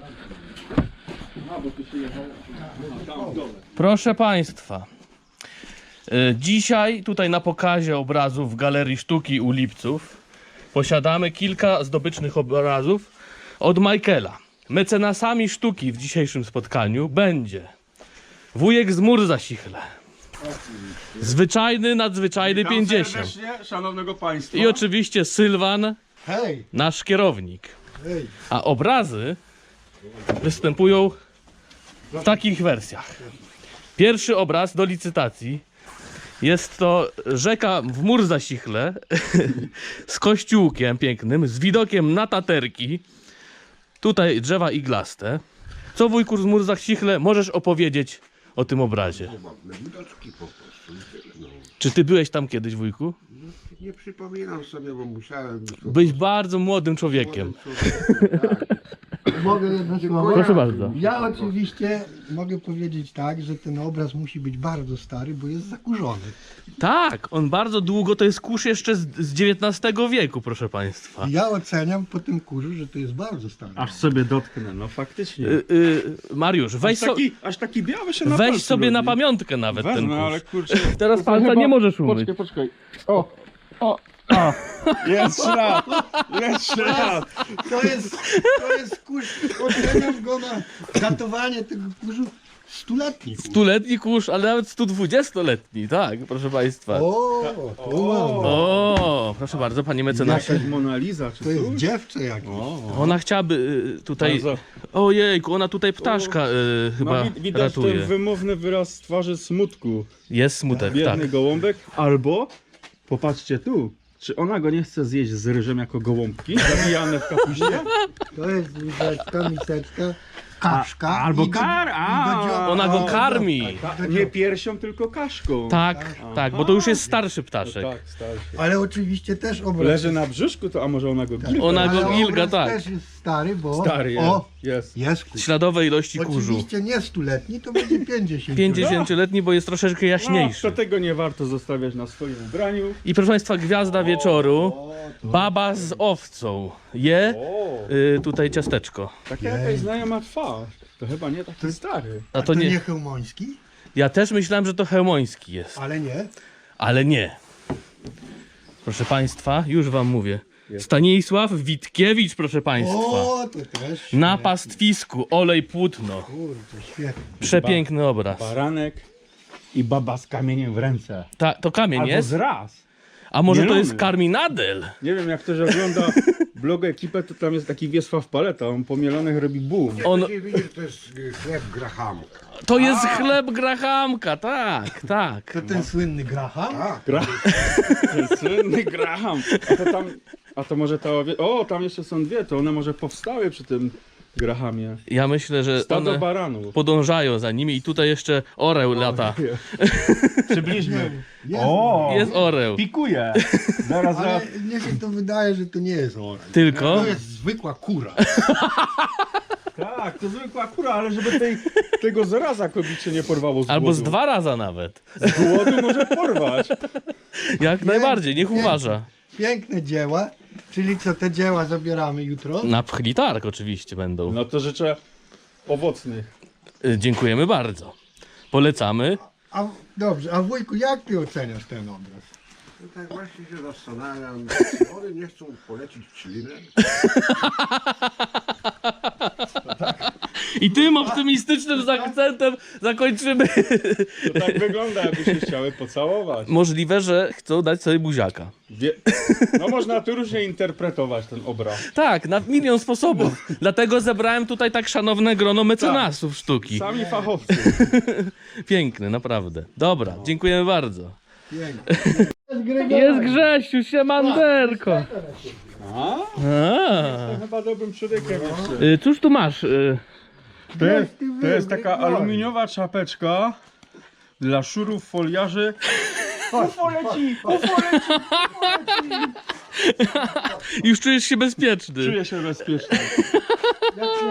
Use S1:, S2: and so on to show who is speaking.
S1: Proszę Państwa, dzisiaj tutaj na pokazie obrazów w Galerii Sztuki u Lipców posiadamy kilka zdobycznych obrazów od Michaela. Mecenasami sztuki w dzisiejszym spotkaniu będzie wujek z Murzasichle, zwyczajny, nadzwyczajny 50
S2: serdecznie, szanownego państwa.
S1: i oczywiście Sylwan,
S3: Hej,
S1: nasz kierownik.
S3: hej.
S1: A obrazy występują w takich wersjach. Pierwszy obraz do licytacji jest to rzeka w Murzasichle z kościółkiem pięknym, z widokiem na Taterki. Tutaj drzewa iglaste. Co, wujku z Murzasichle możesz opowiedzieć o tym obrazie?
S4: Widoczki po prostu. No.
S1: Czy ty byłeś tam kiedyś, wujku?
S4: Nie przypominam sobie, bo musiałem.
S1: Byłeś bardzo młodym człowiekiem.
S3: Mogę jedno słowo?
S1: Proszę bardzo.
S3: Ja oczywiście mogę powiedzieć tak, że ten obraz musi być bardzo stary, bo jest zakurzony.
S1: Tak, on bardzo długo, to jest kurz jeszcze z XIX wieku, proszę Państwa.
S3: I ja oceniam po tym kurzu, że to jest bardzo stary.
S2: Aż sobie dotknę, no faktycznie.
S1: Mariusz,
S2: Aż taki biały się na
S1: weź
S2: palcu
S1: sobie na
S2: robi.
S1: pamiątkę nawet ten
S2: Wezmę,
S1: kurz.
S2: ale kurczę.
S1: Teraz palca nie możesz umyć.
S2: Poczekaj. O. Jeszcze raz. Jeszcze raz.
S3: To jest kurz, oceniam go na datowanie tego kurzu stuletni.
S1: Stuletni kurz, ale nawet 120-letni, tak, proszę Państwa.
S3: O, to mam.
S1: O, proszę bardzo, panie mecenasie.
S2: Jakaś Mona Lisa, czy
S3: To jest
S2: coś?
S3: dziewczę jakieś.
S1: Ona chciałaby tutaj...
S2: Bardzo.
S1: Ojejku, ona tutaj ptaszka chyba
S2: No, widać
S1: ratuje.
S2: ten wymowny wyraz twarzy smutku.
S1: Jest smutek, tak.
S2: Biedny gołąbek. Albo, popatrzcie tu, czy ona go nie chce zjeść z ryżem jako gołąbki, zabijane w kapuście?
S3: To jest łyżeczka, miseczka, kaszka.
S2: Albo
S3: i do-
S2: kar, a.
S3: i do dzio-
S1: Ona go
S3: o,
S1: karmi.
S2: Nie piersią, tylko kaszką.
S1: Tak, tak, bo to już jest starszy ptaszek.
S2: Tak, starszy.
S3: Ale oczywiście też obraz.
S2: Leży na brzuszku, to a może ona go gilga?
S1: Ona go
S3: Ale
S1: gilga,
S3: obraz
S1: tak.
S3: też jest stary, bo
S2: Stary jest.
S3: o,
S2: Jest.
S3: jest kurz.
S1: Śladowe ilości kurzu.
S3: Oczywiście nie stuletni, to będzie 50.
S1: 50-letni, bo jest troszeczkę
S2: No,
S1: jaśniejszy.
S2: to tego nie warto zostawiać na swoim ubraniu.
S1: I proszę Państwa, gwiazda wieczoru, baba z owcą, je
S2: O,
S1: tutaj ciasteczko.
S2: taka jakaś znajoma twarz. To chyba nie taki stary.
S1: A
S3: A
S1: to nie,
S3: Chełmoński?
S1: ja też myślałem, że to chełmoński jest,
S3: Ale nie.
S1: ale nie. Proszę Państwa, już Wam mówię. Stanisław Witkiewicz, proszę Państwa.
S3: O, to też.
S1: Na pastwisku, olej płótno.
S3: Kurde, świetnie.
S1: Przepiękny obraz.
S2: Baranek i baba z kamieniem w ręce.
S1: To kamień
S2: Albo
S1: jest?
S2: zraz.
S1: A może to
S2: mielony.
S1: jest karminadel?
S2: Nie wiem, jak ktoś ogląda blog ekipę, to tam jest taki Wiesław Paleta, on po mielonych robi boom.
S1: On,
S4: Nie widzisz, to jest chleb Grahamka.
S1: to jest chleb Grahamka, tak, tak.
S3: To ten słynny Graham?
S4: Tak.
S2: Ten słynny Graham. A to może ta o, tam jeszcze są dwie, to one może powstały przy tym Grahamie.
S1: Ja myślę, że
S2: Stado
S1: one
S2: baranów.
S1: podążają za nimi i tutaj jeszcze oreł lata.
S2: Przybliżmy.
S3: Jest.
S1: Jest oreł.
S2: Pikuje. Zaraz,
S3: Ale mnie się to wydaje, że to nie jest orek.
S1: Tylko?
S3: To jest zwykła kura.
S2: Tak, to zwykła kura, ale żeby tego zaraza kobicie nie porwało z
S1: Albo z
S2: głodu.
S1: 2 razy nawet.
S2: Z głodu może porwać.
S1: Jak najbardziej, niech
S3: nie.
S1: uważa.
S3: Piękne dzieła. Czyli co, te dzieła zabieramy jutro?
S1: Na pchli targ oczywiście będą.
S2: No to życzę owocnych.
S1: Dziękujemy bardzo. Polecamy.
S3: A, dobrze, a wujku, jak ty oceniasz ten obraz?
S4: No tak właśnie się zastanawiam, czy one nie chcą polecić ślinę?
S1: I tym optymistycznym akcentem zakończymy.
S2: To tak wygląda, jakby się chciały pocałować.
S1: Możliwe, że chcą dać sobie buziaka.
S2: No można tu różnie interpretować ten obraz.
S1: Tak, na milion sposobów. Dlatego zebrałem tutaj tak szanowne grono mecenasów sztuki.
S2: Sami fachowcy.
S1: Piękny, naprawdę. Dobra, dziękujemy bardzo.
S3: Pięknie.
S1: Jest Grzesiu, siemanderko.
S2: A?
S1: A.
S2: To chyba dobrym człowiekiem jeszcze.
S1: Cóż tu masz?
S2: To jest taka aluminiowa czapeczka dla szurów, foliarzy. UFO leci! UFO leci!
S1: Już czujesz się bezpieczny.
S2: Czuję się bezpiecznie.
S3: Jak się